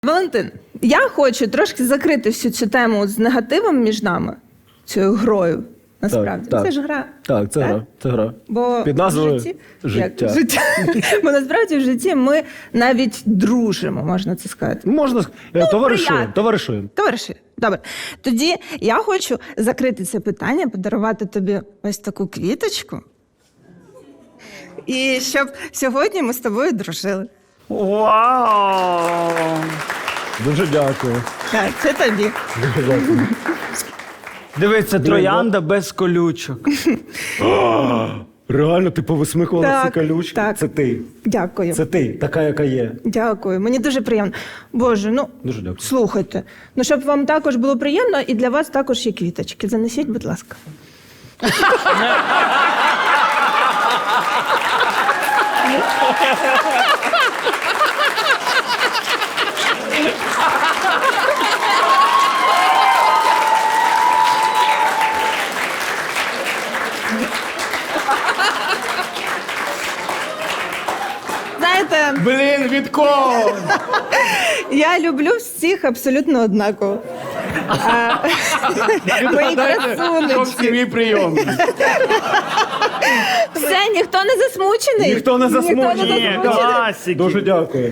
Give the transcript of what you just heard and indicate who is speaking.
Speaker 1: Валентин, я хочу трошки закрити всю цю тему з негативом між нами, цією грою, насправді.
Speaker 2: Так.
Speaker 1: Це ж гра.
Speaker 2: Так, це гра. Це гра.
Speaker 1: Бо
Speaker 2: Під назвою
Speaker 1: в житті...
Speaker 2: «Життя».
Speaker 1: Як? Життя. Бо насправді в житті ми навіть дружимо, можна це сказати.
Speaker 2: Можна товаришуємо.
Speaker 1: Товариші, добре. Тоді я хочу закрити це питання, подарувати тобі ось таку квіточку. І щоб сьогодні ми з тобою дружили.
Speaker 3: Вау!
Speaker 2: Дуже дякую.
Speaker 1: Так, це тобі.
Speaker 2: Дуже дякую.
Speaker 3: Дивіться, троянда без колючок.
Speaker 2: Реально, ти повисмикувала
Speaker 1: Так,
Speaker 2: всі колючки?
Speaker 1: так.
Speaker 2: Це ти.
Speaker 1: Дякую.
Speaker 2: Це ти, така, яка є.
Speaker 1: Дякую. Мені дуже приємно. Боже, ну,
Speaker 2: Дуже дякую.
Speaker 1: слухайте. Ну, щоб вам також було приємно, і для вас також є квіточки. Занесіть, будь ласка. Знаєте,
Speaker 3: Блін, від кого?
Speaker 1: я люблю всіх абсолютно однаково. Мої красунечки.
Speaker 3: Мій прийом.
Speaker 1: Все, ніхто не засмучений?
Speaker 2: Ніхто не засмучений.
Speaker 3: Ні, класики.
Speaker 2: Дуже дякую.